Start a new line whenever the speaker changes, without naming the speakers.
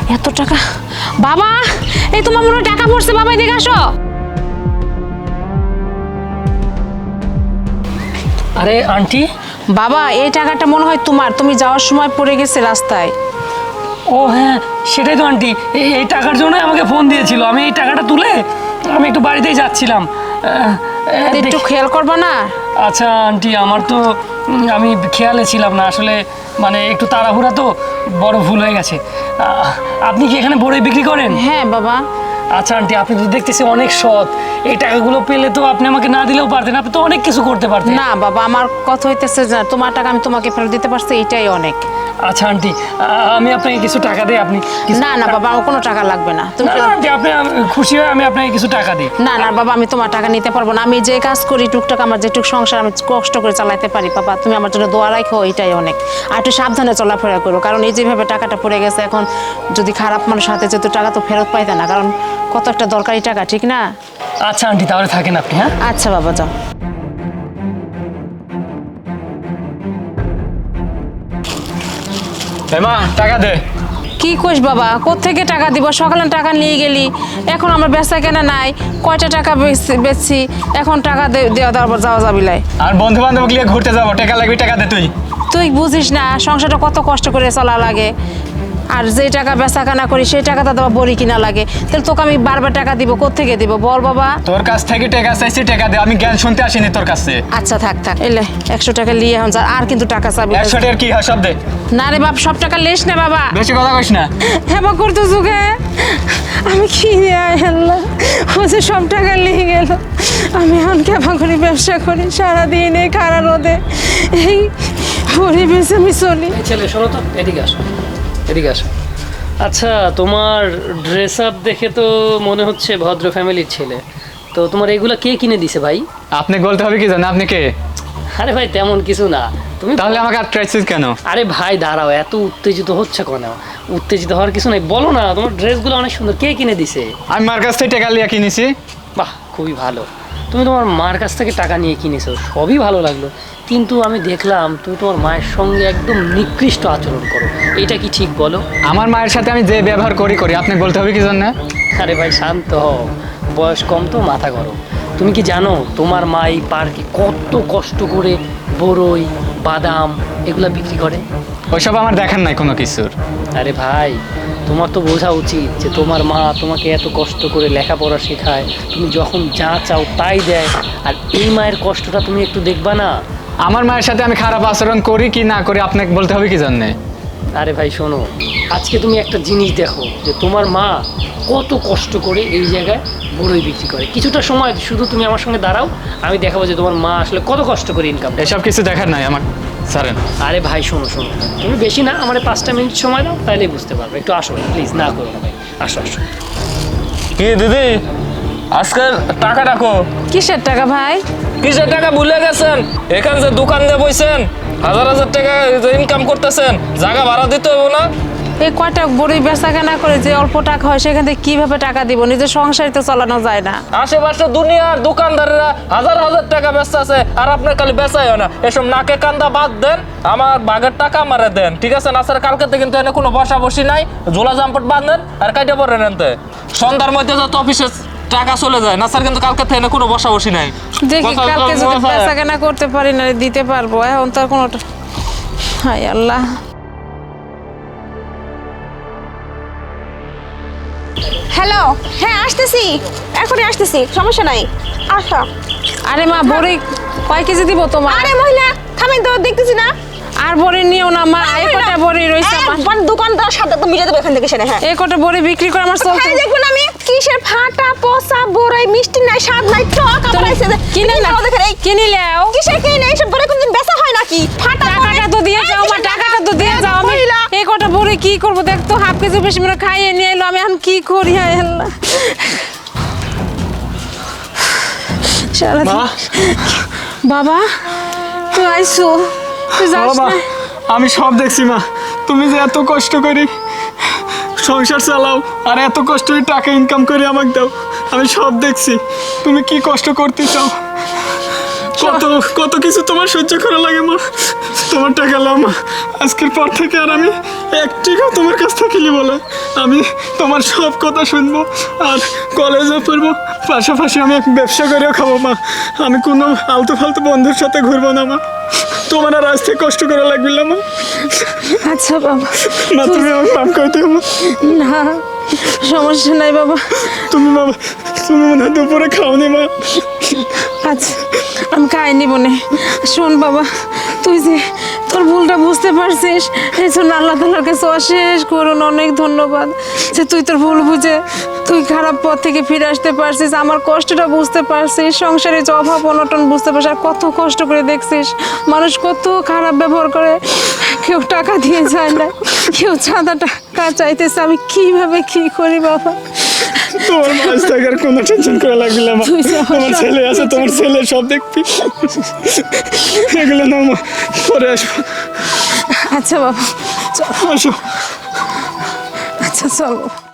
এত টাকা বাবা, এই তোমার মনে হয় টাকা পড়ছে বাবা, এদিকে আসো।
আরে আন্টি,
বাবা এই টাকাটা মনে হয় তোমার, তুমি যাওয়ার সময় পড়ে গেছে রাস্তায়।
ও হ্যাঁ সেটাই তো আন্টি, এই টাকার জন্য আমাকে ফোন দিয়েছিল। আমি এই টাকাটা তুলে আমি একটু বাড়িতেই যাচ্ছিলাম।
একটু খেয়াল করবা না?
আচ্ছা আন্টি, আমার তো আমি খেয়ালে ছিলাম না আসলে, মানে একটু তাড়াহুড়া তো, বড় ভুল হয়ে গেছে। আপনি কি এখানে বড়ই বিক্রি করেন?
হ্যাঁ বাবা।
আচ্ছা আন্টি, আপনি তো দেখতেছি অনেক সৎ। এই টাকাগুলো পেলে তো আপনি আমাকে না দিলেও পারতেন, আপনি তো অনেক কিছু করতে পারতেন।
না বাবা, আমার কথা হইতেছে যে তোমার টাকা আমি তোমাকে ফেরত দিতে পারছি, এটাই অনেক।
আচ্ছা আন্টি, আমি আপনাকে কিছু টাকা দিই, আপনি
না না বাবা, আমার কোনো টাকা লাগবে না। তুমি
আন্টি, আপনি খুশি হয়ে আমি আপনাকে কিছু টাকা দিই।
না না বাবা, আমি তোমার টাকা নিতে পারবো না। আমি যে কাজ করি টুকটাক, আমার যেটুক সংসার আমি কষ্ট করে চালাতে পারি বাবা, তুমি আমার জন্য দোয়া রাখো, এটাই অনেক। আর একটু সাবধানে চলাফেরা করো, কারণ এই যেভাবে টাকাটা পড়ে গেছে, এখন যদি খারাপ মানুষ হাতে যেত টাকা তো ফেরত পাইতে না, কারণ কত একটা দরকারি টাকা, ঠিক না?
আচ্ছা আন্টি, তাহলে থাকেন আপনি। হ্যাঁ
আচ্ছা বাবা, যাও।
মা টাকা দে।
কি কইস বাবা, কোত্থেকে টাকা দিব? সকালে টাকা নিয়ে গেলি, এখন আমার বেচা কেনা নাই, কয়টা টাকা বেচছি, এখন টাকা দেওয়া যাওয়া যাবিলাই।
আর বন্ধু বান্ধব গিয়ে ঘুরতে যাবো, টাকা লাগবে, টাকা দে তুই।
তুই বুঝিস না সংসারটা কত কষ্ট করে চলা লাগে, আর যে টাকা বেচা কেনা করি সেই টাকাটা দেওয়া বড়ি কিনা লাগে, তাহলে তোকে আমি বারবার টাকা দিব, কোত্থেকে দিব বল বাবা?
তোর কাছ থেকে টাকা চাইছি, টাকা দে। আমি জ্ঞান শুনতে আসিনি তোর কাছে।
আচ্ছা থাক থাক, এলে 100 টাকা নিয়ে এখন যা, আর কিন্তু টাকা চাবি।
100 টাকার কি হয়, সব দে।
না রে বাপ, সব টাকা লেস না বাবা।
বেশি কথা কইস না।
হেবা করতে যুগে আমি কি আল্লাহ, ও যে সব টাকা নিয়ে গেল, আমি এখন কেমন করে ব্যবসা করি, সারাদিন এই খাড়া রোদে এই পরিবেশে আমি চলি।
ছেলে শোনো তো, এদিকে আসো, এদিকে আসো। আচ্ছা, তোমার ড্রেস আপ দেখে তো মনে হচ্ছে ভদ্র ফ্যামিলির ছেলে। তো তোমার এগুলা কে কিনে দিছে ভাই?
আপনি বলতে হবে কি জানেন, আপনি কে?
আরে ভাই তেমন কিছু না, তুমি
তাহলে আমাকে আটকাইছিস কেন?
আরে ভাই দাঁড়াও, এত উত্তেজিত হচ্ছে কেন? উত্তেজিত হওয়ার কিছু নাই, বলো না তোমার ড্রেসগুলো অনেক সুন্দর, কে কিনে দিছে?
আমি মার কাছ থেকে টাকা লিয়া কিনেছি।
বাহ, খুবই ভালো। তুমি তোমার মার কাছ থেকে টাকা নিয়ে কিনেছো, সবই ভালো লাগলো, কিন্তু আমি দেখলাম তুমি তোমার মায়ের সঙ্গে একদম নিকৃষ্ট আচরণ করো। এটা কি ঠিক বলো?
আমার মায়ের সাথে আমি যে ব্যবহার করি আপনি বলতে হবে কি জানেন?
আরে ভাই শান্ত হও, বয়স কম তো, মাথা গরম। তুমি কি জানো তোমার মা এই পার্কে কত কষ্ট করে বড়ই, বাদাম এগুলা বিক্রি করে?
ওইসব আমার দেখার নাই কোনো কিছুর।
আরে ভাই, তোমার তো বোঝা উচিত যে তোমার মা তোমাকে এত কষ্ট করে লেখাপড়া শেখায়, তুমি যখন যা চাও তাই দেয়, আর এই মায়ের কষ্টটা তুমি একটু দেখবা না?
আমার মায়ের সাথে আমি খারাপ আচরণ করি কি না করি আপনাকে বলতে হবে কি জানেন?
আরে ভাই শোনো, আজকে তুমি একটা জিনিস দেখো যে তোমার মা কত কষ্ট করে এই জায়গায় বড়ই বিক্রি করে। কিছুটা সময় শুধু তুমি আমার সঙ্গে দাঁড়াও, আমি দেখাবো যে তোমার মা আসলে কত কষ্ট করে ইনকাম।
এসব কিছু দেখার নাই আমার, ছাড়েন।
আরে ভাই শোনো শোনো, তুমি বেশি না, আমার 5টা মিনিট সময় দাও, তাইলেই বুঝতে পারবে। একটু আসো প্লিজ, না করো না ভাই, আসো আসো।
কি দিদি, আজকের টাকা রাখো।
কিসের টাকা ভাই?
কিসের টাকা ভুলে গেছেন? এখান যে দোকান দিয়ে বইছেন, হাজার হাজার টাকা ইনকাম করতেছেন, জায়গা ভাড়া দিতে হবে না?
এই কয়টা বড়ি বেচা কেনা করে যে অল্প টাকা হয়, সেখান থেকে কিভাবে টাকা দিব? নিজের সংসারই তো চালানো যায় না।
আশেপাশে দুনিয়ার দোকানদারেরা হাজার হাজার টাকা ব্যস্ত আছে, আর আপনার খালি বেচাই হয় না। এসব নাকে কান্দা বাদ দেন, আমার বাঘের টাকা আমারে দেন, ঠিক আছে? নাচের কালকে থেকে কিন্তু এনে কোনো বসা বসি নাই, ঝোলা জাম্পট বাঁধেন আর কাইটে পড়েন এনতে। সন্ধ্যার মধ্যে যত অফিসে টাকা চলে যায়, নাচের কিন্তু কালকে থেকে কোনো বসা বসি নাই।
দেখি কালকে যদি বেচা কেনা করতে পারি না দিতে পারবো, এখন তো আর কোনো। হায় আল্লাহ।
হ্যালো, হ্যাঁ আসতেছি, এখনই আসতেছি, সমস্যা নাই, আসো।
আরে মা, বড়ি কয় কেজি দিব তোমার?
আরে মহিলা থামেন তো, দেখতেছি না।
আর বড়ি নিও না মা, এই কটা বড়ি রইছে আমার।
দোকানদার সাথে তো মিটাতে এখান থেকে সেরে। হ্যাঁ,
এই কটা বড়ি বিক্রি করে আমার চলতে।
খাই দেখবেন আমি কিসের ফাটা পচা বড়ই, মিষ্টি নাই, স্বাদ নাই, টক আবার আইছে যে
কিনে নাও,
দেখেন এই
কিনে নাও।
কিসের কিনে এইসব বড়ি কোনদিন বেচা হয় নাকি? ফাটা
টাকাটা তো দিয়ে যাও মা, টাকাটা তো দিয়ে যাও। আমি এই কটা বড়ি কি করব? দেখ তো, হাফ কেজি বেশি মনে খাইয়ে নিয়ে এলো, আমি এখন কি করি? হায় আল্লাহ। সারাদিন বাবা তুই আইসো, তুই যাস
বাবা,
না?
আমি সব দেখছি মা, তুমি যে এত কষ্ট করি সংসার চালাও আর এত কষ্ট করে টাকা ইনকাম করে আমাকে দাও, আমি সব দেখছি তুমি কি কষ্ট করতে চাও। কত কত কিছু তোমার সহ্য করা লাগে মা। তোমার টাকা লাও মা, আজকের পর থেকে আর আমি এক টাকাও তোমার কাছ থেকে নিব না। আমি তোমার সব কথা শুনবো আর কলেজে পড়বো, পাশাপাশি আমি এক ব্যবসা করেও খাবো মা। আমি কোনো আলতু ফালতু বন্ধুর সাথে ঘুরবো না মা। তোমার আর আজ থেকে কষ্ট করা লাগবে না মা।
আচ্ছা বাবা,
মা তুমি আমাকে মাফ করে দিও মা।
না সমস্যা নাই বাবা।
তুমি বাবা, তুমি মনে হয় দুপুরে খাওনি মা।
আচ্ছা আমি খাইনি বনে। শোন বাবা, তুই যে তোর ভুলটা বুঝতে পারছিস, এই জন্য আল্লাহ তাআলার কাছে অশেষ করুন অনেক ধন্যবাদ যে তুই তোর ভুল বুঝে তুই খারাপ পথ থেকে ফিরে আসতে পারছিস, আমার কষ্টটা বুঝতে পারছিস, সংসারে যে অভাব অনটন বুঝতে পারছিস, আর কত কষ্ট করে দেখছিস মানুষ কত খারাপ ব্যবহার করে, কেউ টাকা দিয়ে যায় না, কেউ চাঁদা টাকা চাইতেছে। আমি কিভাবে কি করি বাবা?
তোমার মাছ থাকার কোনো টেনশন করা লাগবে না মা।
তুই যে আমার
তোমার ছেলে আছে, তোমার ছেলে সব দেখবি। এগুলো না মা, পরে আসবো।
আচ্ছা বাবা,
আসো।
আচ্ছা চলো।